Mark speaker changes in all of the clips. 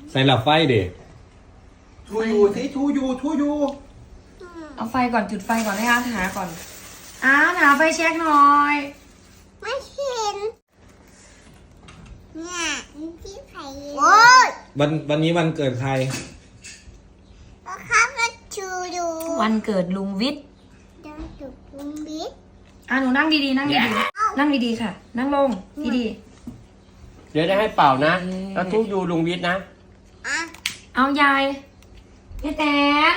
Speaker 1: ใส่หลับไฟเด็ก
Speaker 2: ทูยูสิทูยู
Speaker 3: เอาไฟก่อนจุดไฟก่อนให้อาร์ตหาก่อนอาร์ตหาไฟแช็กหน่อย
Speaker 4: ไม่เห็นเนี่ยที่ไผ่โอ้ย
Speaker 1: วันนี้วันเกิดใคร
Speaker 4: ก็ข้าก็ชูดู
Speaker 3: วันเกิดลุงวิทย์
Speaker 4: เดินจุกลุงบิ๊ก
Speaker 3: หนูนั่งดีๆนั่งดีๆนั่งดีๆค่ะ นั่งลงดี
Speaker 5: เดี๋ยวได้ให้เป่านะ แล้วทุกยูลุงวิทย์นะ
Speaker 4: อ่ะ
Speaker 3: ๆเอายายพี่แตน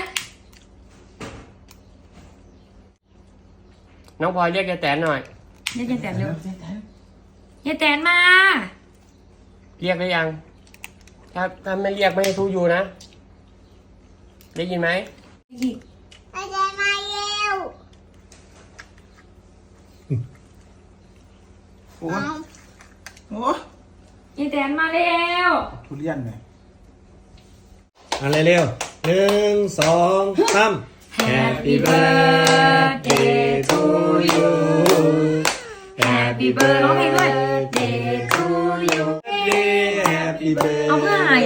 Speaker 5: น้องพลอยเรียกยายแตนหน่อย
Speaker 3: เรียกยายแตนเร็ว ยายแตนมา
Speaker 5: เรียกได้ยัง ถ้าไม่เรียกไม่ให้ทุกยูนะ ได้ยินไหม
Speaker 4: ไปเดินมาเร็ว
Speaker 2: โอ้ยโอ้
Speaker 3: ยายแตนมาแล้ว
Speaker 2: ทุเรียนไง
Speaker 1: อะไรเร็ว1 2 3 Happy birthday to you
Speaker 3: Happy birthday to you
Speaker 1: Happy birthday
Speaker 3: เอาเพื่ออะไร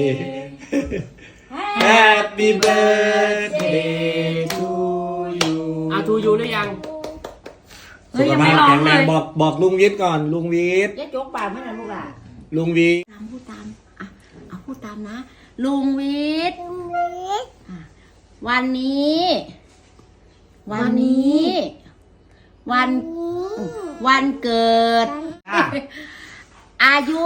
Speaker 1: Happy birthday to you
Speaker 5: เอาทุกยูได้ยัง
Speaker 3: เฮ้
Speaker 1: สุ
Speaker 3: ย
Speaker 1: ข
Speaker 3: ยัง
Speaker 1: ภา
Speaker 3: ไม่
Speaker 1: พ
Speaker 3: ร้อง
Speaker 1: แข็ง
Speaker 3: เล
Speaker 1: แรง
Speaker 3: ย
Speaker 1: บอกลุงวิทย์ก่อนลุงวิทย์
Speaker 6: ยายโจ๊กปากไม่นะลูกหล่ะ
Speaker 1: ลุงวิทย์
Speaker 6: พูดตามอ่ะเอาพูดตามนะ ลุงวิทย์
Speaker 4: ลุงบิ๊ก
Speaker 6: วันนี้ วันเกิด อายุ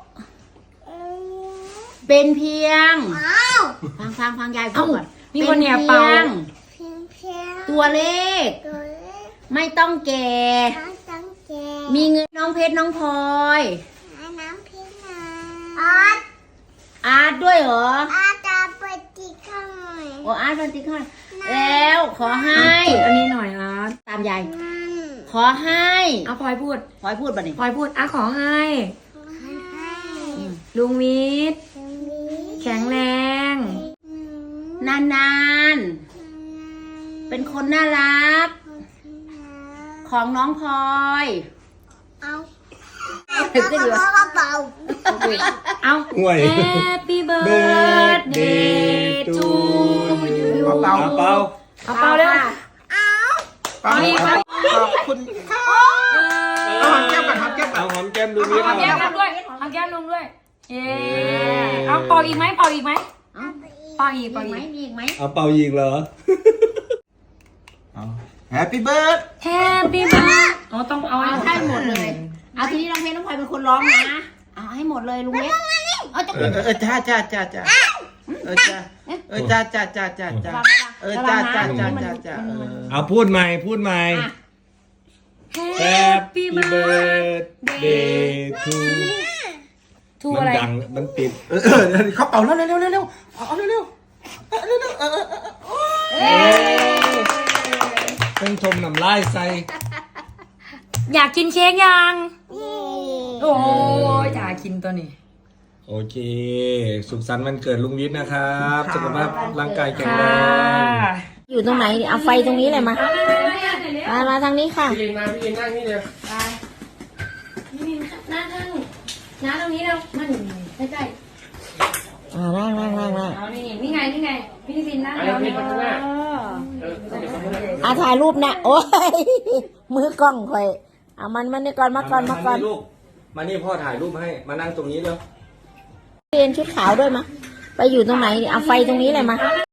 Speaker 6: เป็นเพียง
Speaker 4: อ้าว
Speaker 6: ฟังยายพูดก่อน
Speaker 3: มีคนเนี่ยเป่า
Speaker 6: เป็นตัวเลข
Speaker 4: ตัวเล็ก
Speaker 6: ไม่ต้องแก่
Speaker 4: น้องตังเก
Speaker 6: มีเงินน้องเพชรน้องพลอย
Speaker 4: น้ำพี่นา
Speaker 6: อาร์ตด้วยเหรอ
Speaker 4: อาตาเปิดจีข้างหน่อย
Speaker 6: โอ้อาร์ตเป็นติ๊กข้างแล้วขอให้
Speaker 3: จุดอันนี้หน่อยอาร์ต
Speaker 6: ตามยาย
Speaker 4: นั่น
Speaker 6: ขอให้
Speaker 3: เอาพลอยพูด
Speaker 6: พลอยพูดบ่นี่
Speaker 3: พลอยพูดขอให้
Speaker 4: ให้
Speaker 3: ลุงวิทย์
Speaker 4: ลุงบิ๊ก
Speaker 3: แข็งแรง
Speaker 6: นานๆ เป็นคนน่ารัก ของน้องพลอย
Speaker 4: เอา
Speaker 6: ถึงก็อยู่
Speaker 4: เบา
Speaker 3: เอา
Speaker 1: ห่วย
Speaker 3: Happy birthday to you
Speaker 2: เป่า
Speaker 1: เปา
Speaker 3: เอาเป่าเร็ว
Speaker 2: เป่า
Speaker 3: อีก
Speaker 2: ขอบคุณค่ะเอาหอมแก้มก่อนหอมแก้มก่อน
Speaker 1: เอาหอมแก้มลุงวิทย์
Speaker 3: หอมแก้มลุงด้วยหอมแก้มลุงด้วย เย้เอาเป่าอีกไหมเป่าอีกไหม
Speaker 6: เอ้า
Speaker 3: เป่าอีก
Speaker 6: มี
Speaker 3: เป่า
Speaker 6: อีกไหม
Speaker 3: อีก
Speaker 6: มีอีกไหม
Speaker 1: เอาเป่ายิงเหรอ
Speaker 2: แฮปปี้เบิร์ด
Speaker 3: Happy birthday อ๋อต้องเอา
Speaker 6: เอาให้หมดเลย เอาทีนี้น้องเพชรน้องพลอยเป็นคนร้องนะ เอาให้หมดเลยลุงเล็กเอาจะ
Speaker 2: จ้าจ้าจ้าจ้าจ้าจ้าจ้าจ้าจ้าจ้าจ้าจ้า
Speaker 1: เอาพูดใหม่พูดใหม่ Happy birthday to
Speaker 3: ทู
Speaker 1: มัน
Speaker 3: อะไร
Speaker 1: ดังมันติด
Speaker 2: เขาเป่าแล้วเร็วเเอาเร็ว
Speaker 1: เพิ่งชมน้ำลายใส่
Speaker 3: อยากกินเค้กยัง
Speaker 4: ๆนี่
Speaker 3: โอ้ยอยากกินตัวนี้
Speaker 1: โอเค สุขสันต์วันเกิดลุงวิทย์นะครับสุขภาพร่างกายแข็ง
Speaker 3: ค่ะ
Speaker 1: แรง
Speaker 6: อยู่ตรงไหน เอาไฟตรงนี้เลยมา มาทางนี้ค่ะ
Speaker 5: พี่ยินมาพี่ยินนั่งนี่เลย
Speaker 3: นี่นั่งนั่งตรงนี้เรามันใกล้
Speaker 6: นั่ง
Speaker 3: ๆเอานี่ไงพี่ซินนั่ง
Speaker 5: เอา
Speaker 3: แล้ว
Speaker 5: พี่
Speaker 3: เนี่ย
Speaker 5: มาข้างหน้าต้องไปข้างหน้า
Speaker 6: ถ่ายรูปนะ โอ้ย มือกล้องคอย เอามันนี่ก่อนมาก่อน
Speaker 1: ลูกมานี่พ่อถ่ายรูปให้มานั่งตรงนี้เร็ว
Speaker 6: เรียนชุดขาวด้วยมา ไปอยู่ตรงไหน เอาไฟตรงนี้เลยมา